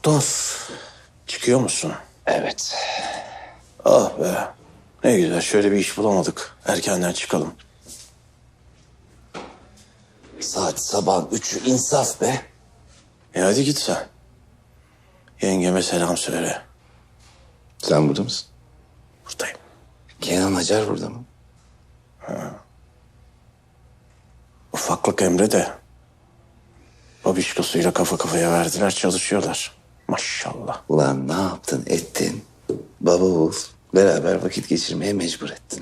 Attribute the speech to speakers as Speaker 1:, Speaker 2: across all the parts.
Speaker 1: Dost, çıkıyor musun?
Speaker 2: Evet.
Speaker 1: Ah be. Ne güzel, şöyle bir iş bulamadık. Erkenden çıkalım.
Speaker 2: Saat sabah 3'ü, insaf be.
Speaker 1: Hadi git sen. Yengeme selam söyle.
Speaker 2: Sen burada mısın?
Speaker 1: Buradayım.
Speaker 2: Kenan Acar burada mı?
Speaker 1: Ufaklık Emre de babişkosuyla kafa kafaya verdiler, çalışıyorlar. Maşallah.
Speaker 2: Ulan ne yaptın ettin? Baba oğul beraber vakit geçirmeye mecbur ettin.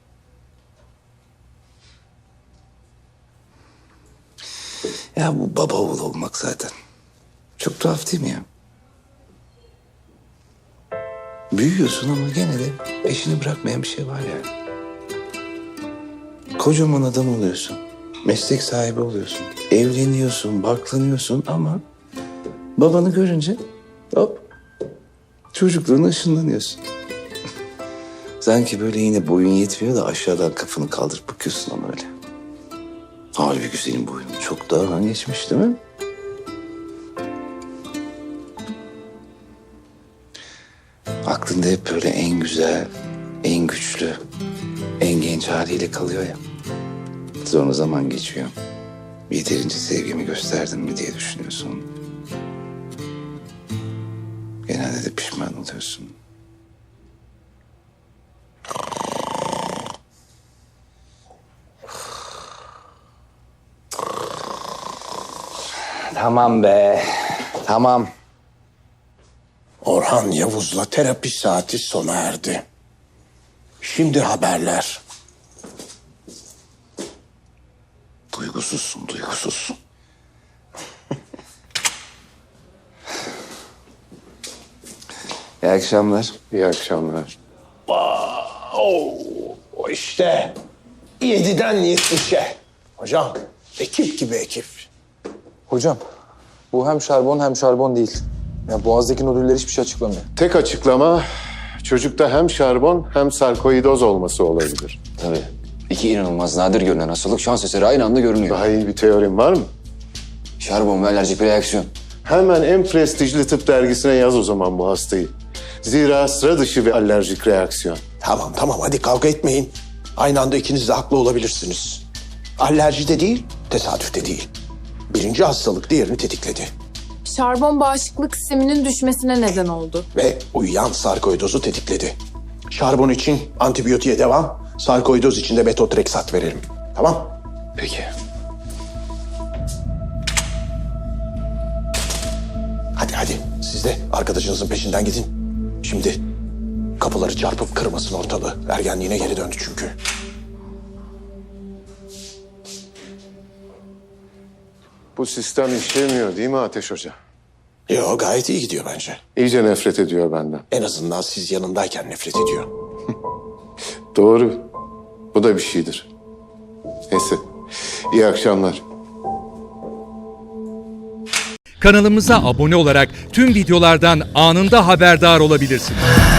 Speaker 2: Ya bu baba oğul olmak zaten. Çok tuhaf değil mi ya? Büyüyorsun ama gene de peşini bırakmayan bir şey var yani. Kocaman adam oluyorsun. Meslek sahibi oluyorsun. Evleniyorsun, barklanıyorsun ama babanı görünce hop çocukluğuna ışınlanıyorsun. Sanki böyle yine boyun yetmiyor da aşağıdan kafanı kaldırıp bakıyorsun ama öyle. Halbuki senin boyun çok daha geçmiş değil mi? Aklında hep böyle en güzel, en güçlü, en genç haliyle kalıyor ya. Sonra zaman geçiyor. Yeterince sevgimi gösterdim mi diye düşünüyorsun. Genelde de pişman oluyorsun. Tamam be, tamam.
Speaker 1: Orhan Yavuz'la terapi saati sona erdi. Şimdi haberler.
Speaker 2: Duygusuzsun, duygusuzsun. İyi akşamlar.
Speaker 3: İyi akşamlar.
Speaker 1: O işte 7'den 70'e. Hocam, ekip gibi ekip.
Speaker 4: Hocam, bu hem şarbon hem şarbon değil. Ya boğazdaki nodüller hiçbir şey açıklamıyor.
Speaker 3: Tek açıklama çocukta hem şarbon hem sarkoidoz olması olabilir.
Speaker 2: Tabii. İki inanılmaz nadir görünen hastalık şans eseri aynı anda görünüyor.
Speaker 3: Daha iyi bir teorim var mı?
Speaker 2: Şarbon ve alerjik bir reaksiyon.
Speaker 3: Hemen en prestijli tıp dergisine yaz o zaman bu hastayı. Zira sıra dışı bir alerjik reaksiyon.
Speaker 1: Tamam hadi kavga etmeyin. Aynı anda ikiniz de haklı olabilirsiniz. Alerji de değil, tesadüf de değil. Birinci hastalık diğerini tetikledi.
Speaker 5: Şarbon bağışıklık sisteminin düşmesine neden oldu.
Speaker 1: Ve uyuyan sarkoidozu tetikledi. Şarbon için antibiyotiğe devam, sarkoidoz için de metotreksat verelim. Tamam?
Speaker 2: Peki.
Speaker 1: Hadi. Siz de arkadaşınızın peşinden gidin. Şimdi kapıları çarpıp kırmasın ortalığı. Ergenliğine geri döndü çünkü.
Speaker 3: Bu sistem işlemiyor değil mi Ateş Hoca?
Speaker 1: Yo, gayet iyi gidiyor bence.
Speaker 3: İyice nefret ediyor benden.
Speaker 1: En azından siz yanındayken nefret ediyor.
Speaker 3: Doğru. Bu da bir şeydir. Neyse. İyi akşamlar.
Speaker 6: Kanalımıza abone olarak tüm videolardan anında haberdar olabilirsiniz.